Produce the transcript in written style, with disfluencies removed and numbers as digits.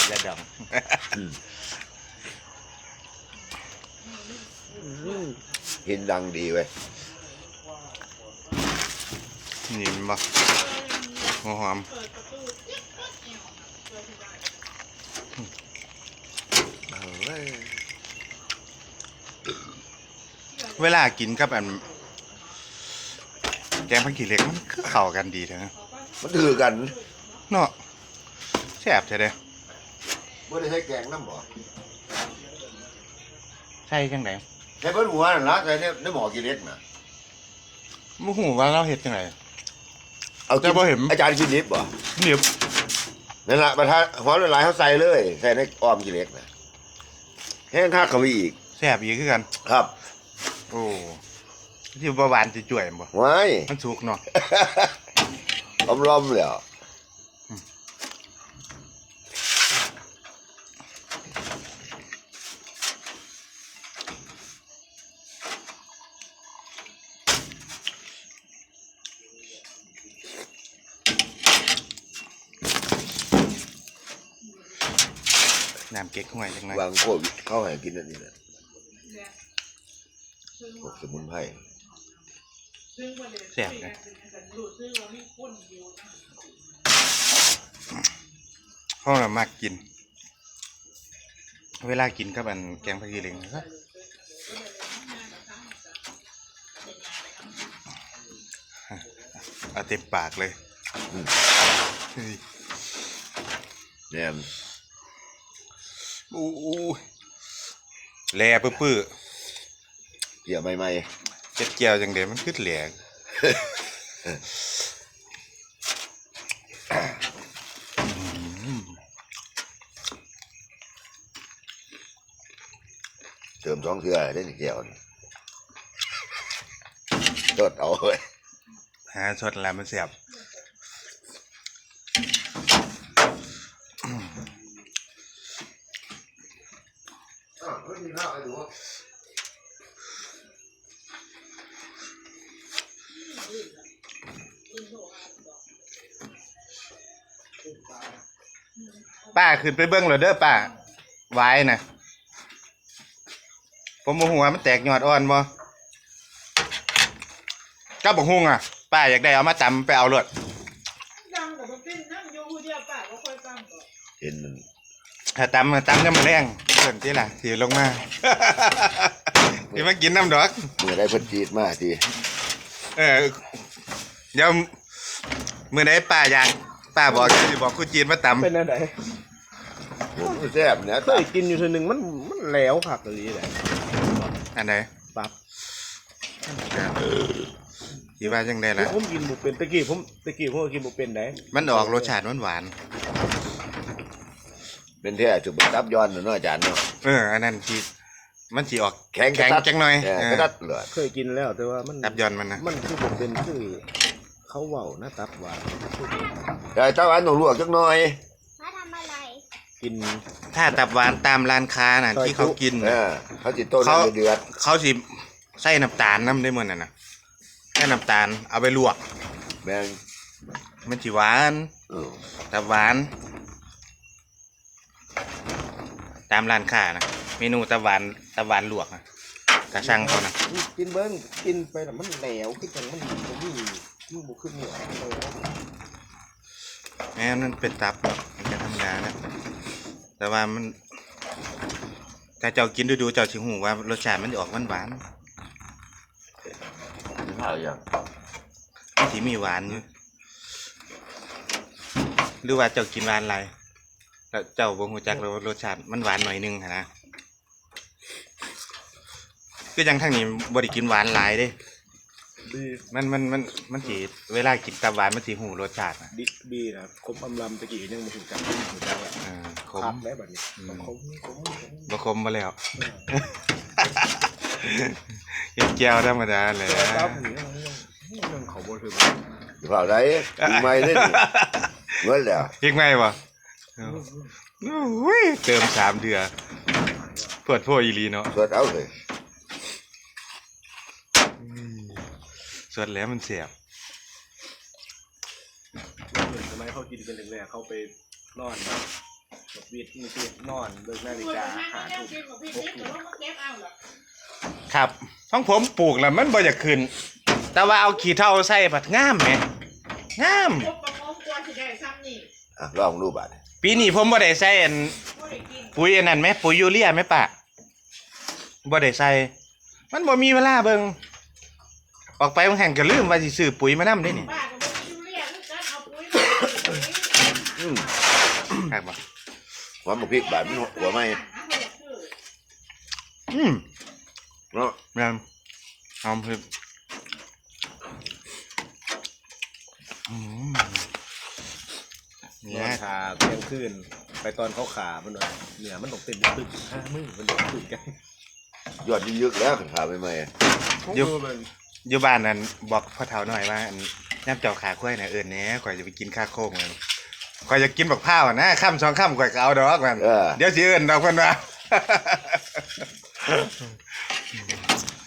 ยาดองกินดังดีเว้ยนี่มันบ่หัวหอมเวลากินกับอันแกงผักขี้เหล็กมันเข้ากันดีเถอะมันถือกันเนาะแซ่บใช่เด้ไม่ได้ใช้แกงน้ำบ่ใช่จังไดใช้เพิ่นหัวนั่นละใช้ในหม้อกินเล็กนะบ่ฮู้ว่าเราเฮ็ดจังไดเอาแต่บ่เห็นอาจารย์กินนิบบ่นิบนั่นล่ะประทานหอมละลายเขาใส่เลยใส่ในอ้อมกินเล็กนะแห้งคักเข้าไปอีกแซ่บอีกคือกันครับโอ้ที่บ่หวานสิจ่วยบ่ว้ายมันสุกเนาะล้อมๆแล้วน้ำเก๊กห้วยจังไงวางโควิดเข้าให้กินนั่นนี่แหละพวกสมุนไพรแซ่บนะเขาเรามากกินเวลากินกับอันแกงผักขี้เหล็กนะครับเอาเต็มปากเลยเนี่ยอู้แหล่ปื้อเกี่ยวใหม่ๆเจ็ดเกี่ยวจังเดี๋ยวมันขึ้นแหล่เติม2 เทื่อได้1 แก้วนี่สดเอาเลยหาสดแล้วมันเสียบป้าขึ้นไปเบิ้งเลยเด้อป้าไว้นะผมโมโหมันแตกยอดอ่อนบ่ก็บอกฮุ้งอ่ะป้าอยากได้เอามาตำไปเอาเลือดเห็นมันถ้าตำก็มาแรงเกินที่ล่ะสีลงมาที่มากินน้ำดอกเมื่อได้เพิ่นจีดมาทีเดี๋ยวมื่อไหนป้าอยากป้าบอกจะบอกคุณจีนมาตำเป็นอะไรผมแซ่บเนี่ยเคยกินอยู่ทีหนึ่งมันแหลวผักอะไรแหละอันไหนปั๊บที่ว่าจังได้ละผมกินบุเป็นตะกี้ผมก็กินบุเป็นได้มันออกรสชาติหวานเป็นแท้จุบตับย้อนเนาะอาจารย์เนาะอันนั้นที่มันจีออกแข็งจังหน่อยกระดัดเลยเคยกินแล้วแต่ว่ามันตับย้อนมันนะมันคือบุเป็นคือเขาเว้านะตับหวานแต่ตับหวานต้องลวกจักหน่อยมาทำอะไรกินถ้าตับหวานตามร้านค้าน่ะที่เขากินเขาจิต้นเดือดเขาสิใส่น้ำตาลน้ำได้หมดน่ะนะใส่น้ำตาลเอาไปลวกแมงมันจีหวานตับหวานตามร้านค้านะเมนูตับหวานลวกนะกระชังเขานะกินเบิ้งกินไปแล้วมันแหลวขึ้นจังมันบุขึ้นเหนียวแม้มันเป็นตับมันจะธรรมดานะแต่ว่ามันถ้าเจ้ากินดูเจ้าชิหูว่ารสชาติมันจะออกหวานที่มีหวานอยู่หรือว่าเจ้ากินหวานอะไรแล้วเจ้าบ่ฮู้จักรสชาติมันหวานหน่อยนึงนะก็ยังทั้งนี้บ่ได้กินหวานหลายเด้มันสิเวลากินตับหวานมันสิหูรสชาตินะดีนะคมอำลำตะกี้ยังบ่ถึงจังขมได้บัดนี้บ่ขมมาแล้วแก้วธรรมดาเลยครับมันเขาบ่ถึงเปล่าได้ไม่ได้เมื่อแล้วอีกไหมวะเติม3 เดือนเปิดโพอีลีเนาะสดเอาเลยสดแล้วมันเสียบทำไมเขากินเป็นแรกๆเขาไปนอนนะวิทย์มีที่นอนเบิกนาฬิกาหาทุกครับของผมปลูกแล้วมันบ่อยากขึ้น แต่ว่าเอาขี้เถ้าใส่ผัดงามไหมงามลองดูบาดปีนี้ผมบ่ได้ใส่อันปุ๋ยอันนั้นไหมปุ๋ยยูเรียไหมปะบ่ได้ใส่มันบ่มีเวลาเบิ่งออกไปบางแห่งก็ลืมว่าสิซื้อปุ๋ยมานำได้นี่ ครับบ่หัวหมกพริกบาดมันหัวไหม เนาะแม่นหอมพึบเนี่นอนยขาเที่ยงคืนไปตอนเขาขามันว่าเนี่ยมันตกเต็มตึก5 มื้อมันตึกกันยอดยึกๆแล้วขาใหม่อยู่บ้านนั้นบอกพ่อเฒ่าหน่อยว่าอันย่ำเจ้าขาข้อยน่ะเอิ้นแหน่ข่อยจะไปกินข้าวโค้งมันข่อยจะกินบักพร้าวนะค่ำ2 ค่ำข่อยก็เอาดอกมันๆเดี๋ยวสิเอิ้นดอกเพิ่นว่า